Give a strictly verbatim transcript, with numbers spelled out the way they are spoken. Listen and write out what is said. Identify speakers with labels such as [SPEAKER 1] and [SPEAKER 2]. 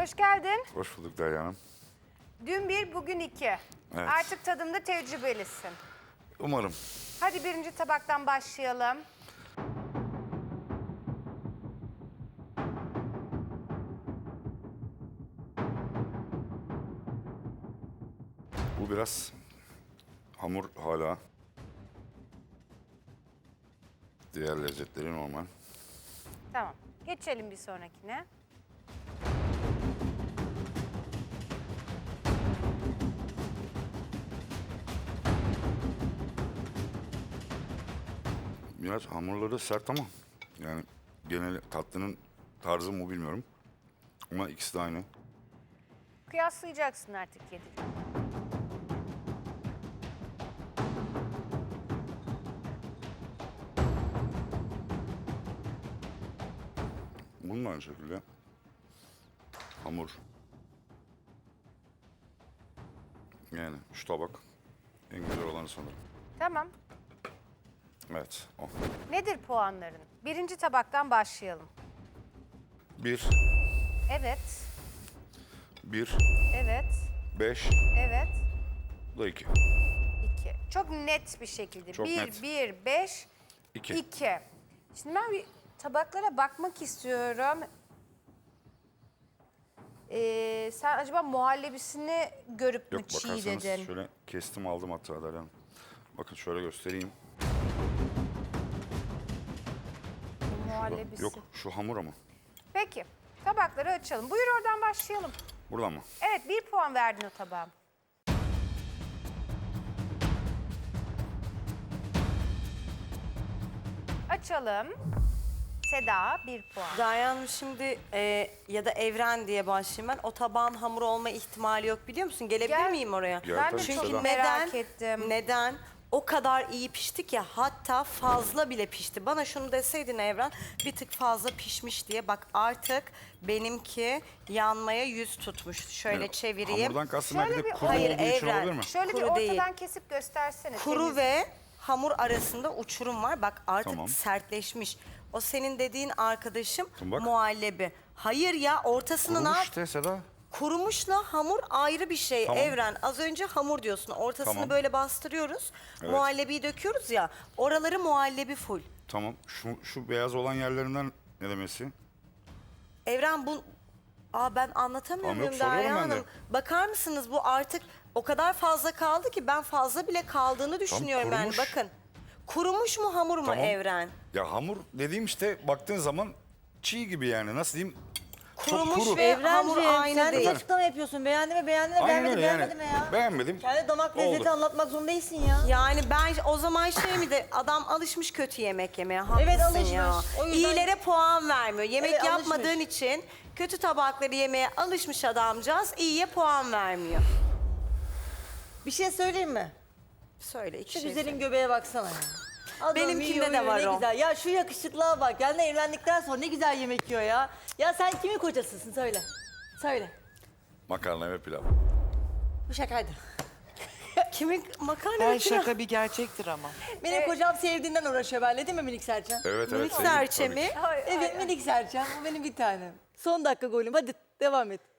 [SPEAKER 1] Hoş geldin.
[SPEAKER 2] Hoş bulduk Derya Hanım.
[SPEAKER 1] Dün bir, bugün iki.
[SPEAKER 2] Evet.
[SPEAKER 1] Artık tadımda tecrübelisin.
[SPEAKER 2] Umarım.
[SPEAKER 1] Hadi birinci tabaktan başlayalım.
[SPEAKER 2] Bu biraz hamur hala. Diğer lezzetleri normal.
[SPEAKER 1] Tamam. Geçelim bir sonrakine.
[SPEAKER 2] Biraz hamurları sert ama yani genel tatlının tarzı mı bilmiyorum. Ama ikisi de aynı.
[SPEAKER 1] Kıyaslayacaksın artık yedi.
[SPEAKER 2] Bunun da aynı şekilde. Hamur. Yani şu tabak en güzel olanı sanırım.
[SPEAKER 1] Tamam.
[SPEAKER 2] Evet, o.
[SPEAKER 1] Nedir puanların? Birinci tabaktan başlayalım.
[SPEAKER 2] Bir,
[SPEAKER 1] Evet,
[SPEAKER 2] bir,
[SPEAKER 1] evet,
[SPEAKER 2] beş,
[SPEAKER 1] evet,
[SPEAKER 2] bu da iki.
[SPEAKER 1] iki. Çok net bir şekilde.
[SPEAKER 2] Çok
[SPEAKER 1] bir,
[SPEAKER 2] net.
[SPEAKER 1] bir, beş,
[SPEAKER 2] İki.
[SPEAKER 1] iki. Şimdi ben bir tabaklara bakmak istiyorum. Ee, sen acaba muhallebisini görüp mü
[SPEAKER 2] Yok
[SPEAKER 1] çiğ
[SPEAKER 2] bakarsanız
[SPEAKER 1] dedin?
[SPEAKER 2] şöyle kestim aldım hatta Derya Hanım. Bakın şöyle göstereyim.
[SPEAKER 1] Muhallebisi.
[SPEAKER 2] Yok şu hamur ama.
[SPEAKER 1] Peki, tabakları açalım. Buyur oradan başlayalım.
[SPEAKER 2] Buradan mı?
[SPEAKER 1] Evet, bir puan verdin o tabağa. Açalım. Seda, bir puan.
[SPEAKER 3] Derya Hanım şimdi e, ya da Evren diye başlayayım ben. O tabağın hamur olma ihtimali yok biliyor musun? Gelebilir
[SPEAKER 1] Gel.
[SPEAKER 3] miyim oraya?
[SPEAKER 2] Gel
[SPEAKER 1] Ben de
[SPEAKER 2] tabii
[SPEAKER 1] çok
[SPEAKER 2] Seda.
[SPEAKER 1] merak
[SPEAKER 3] Neden?
[SPEAKER 1] ettim.
[SPEAKER 3] Neden? O kadar iyi pişti ki hatta fazla bile pişti. Bana şunu deseydin Evren bir tık fazla pişmiş diye. Bak artık benimki yanmaya yüz tutmuş. Şöyle
[SPEAKER 2] Yani
[SPEAKER 3] çevireyim.
[SPEAKER 2] Hamurdan kastım
[SPEAKER 1] Şöyle
[SPEAKER 2] belki de
[SPEAKER 1] bir-
[SPEAKER 2] kuru
[SPEAKER 3] Hayır,
[SPEAKER 2] olduğu için
[SPEAKER 3] Evren.
[SPEAKER 2] olabilir mi?
[SPEAKER 1] Şöyle bir
[SPEAKER 3] Kuru
[SPEAKER 1] ortadan
[SPEAKER 3] değil.
[SPEAKER 1] kesip göstersene.
[SPEAKER 3] Kuru
[SPEAKER 1] temiz.
[SPEAKER 3] ve hamur arasında uçurum var. Bak artık
[SPEAKER 2] Tamam.
[SPEAKER 3] sertleşmiş. O senin dediğin arkadaşım
[SPEAKER 2] Bak.
[SPEAKER 3] muhallebi. Hayır ya ortasını ne
[SPEAKER 2] Kurumuş
[SPEAKER 3] yap?
[SPEAKER 2] işte Seda.
[SPEAKER 3] Kurumuşla hamur ayrı bir şey
[SPEAKER 2] Tamam.
[SPEAKER 3] Evren. Az önce hamur diyorsun. Ortasını
[SPEAKER 2] Tamam.
[SPEAKER 3] böyle bastırıyoruz.
[SPEAKER 2] Evet.
[SPEAKER 3] Muhallebiyi döküyoruz ya. Oraları muhallebi full.
[SPEAKER 2] Tamam. Şu, şu beyaz olan yerlerinden ne demesi?
[SPEAKER 3] Evren bu... Aa ben anlatamıyor
[SPEAKER 2] Tamam,
[SPEAKER 3] muyum
[SPEAKER 2] yok, soruyorum
[SPEAKER 3] Derya
[SPEAKER 2] ben de.
[SPEAKER 3] Hanım? Bakar mısınız bu artık o kadar fazla kaldı ki ben fazla bile kaldığını düşünüyorum yani.
[SPEAKER 2] kurumuş.
[SPEAKER 3] Bakın. Kurumuş mu hamur mu
[SPEAKER 2] Tamam.
[SPEAKER 3] Evren?
[SPEAKER 2] Ya hamur dediğim işte baktığın zaman çiğ gibi yani. Nasıl diyeyim?
[SPEAKER 3] Kurumuş
[SPEAKER 2] Çok kuru.
[SPEAKER 3] ve hamur
[SPEAKER 4] Evrenciğim
[SPEAKER 3] aynı
[SPEAKER 4] sen
[SPEAKER 3] değil.
[SPEAKER 4] de açıklama yapıyorsun. Beğendi mi beğendi mi
[SPEAKER 2] Aynen
[SPEAKER 4] beğenmedi
[SPEAKER 2] öyle yani.
[SPEAKER 4] beğenmedi mi ya?
[SPEAKER 2] Beğenmedim.
[SPEAKER 4] Kendi damak
[SPEAKER 2] Oldu.
[SPEAKER 4] lezzeti anlatmak zorunda değilsin ya.
[SPEAKER 3] Yani ben o zaman şey mi de adam alışmış kötü yemek yemeye. Haklısın
[SPEAKER 4] Evet, alışmış.
[SPEAKER 3] ya.
[SPEAKER 4] O yüzden-
[SPEAKER 3] İyilere puan vermiyor. Yemek
[SPEAKER 4] Evet,
[SPEAKER 3] yapmadığın
[SPEAKER 4] alışmış.
[SPEAKER 3] için kötü tabakları yemeye alışmış adamcağız iyiye puan vermiyor.
[SPEAKER 4] Bir şey söyleyeyim mi?
[SPEAKER 3] Söyle iki
[SPEAKER 4] Şu
[SPEAKER 3] şey
[SPEAKER 4] güzelin
[SPEAKER 3] söyle.
[SPEAKER 4] göbeğe baksana ya. Adam
[SPEAKER 3] Benimkinde
[SPEAKER 4] yiyor,
[SPEAKER 3] de
[SPEAKER 4] yiyor,
[SPEAKER 3] var
[SPEAKER 4] ne
[SPEAKER 3] o.
[SPEAKER 4] Güzel. Ya şu yakışıklığa bak. Yani evlendikten sonra ne güzel yemek yiyor ya. Ya sen kimin kocasısın söyle. Söyle.
[SPEAKER 2] Makarna ve pilav.
[SPEAKER 4] Bu şakaydı.
[SPEAKER 3] Kimin makarna
[SPEAKER 5] Her
[SPEAKER 3] ve pilav?
[SPEAKER 5] şaka bir gerçektir ama.
[SPEAKER 4] Benim kocam sevdiğinden uğraşıyor benimle değil mi minik Serçem?
[SPEAKER 2] Evet evet.
[SPEAKER 3] Minik
[SPEAKER 2] sevdim,
[SPEAKER 3] serçe
[SPEAKER 2] tabii
[SPEAKER 3] mi?
[SPEAKER 2] ki.
[SPEAKER 1] Ay, ay,
[SPEAKER 4] Evet
[SPEAKER 1] ay.
[SPEAKER 4] minik Serçem. Bu benim bir tanem. Son dakika golüm. Hadi devam et.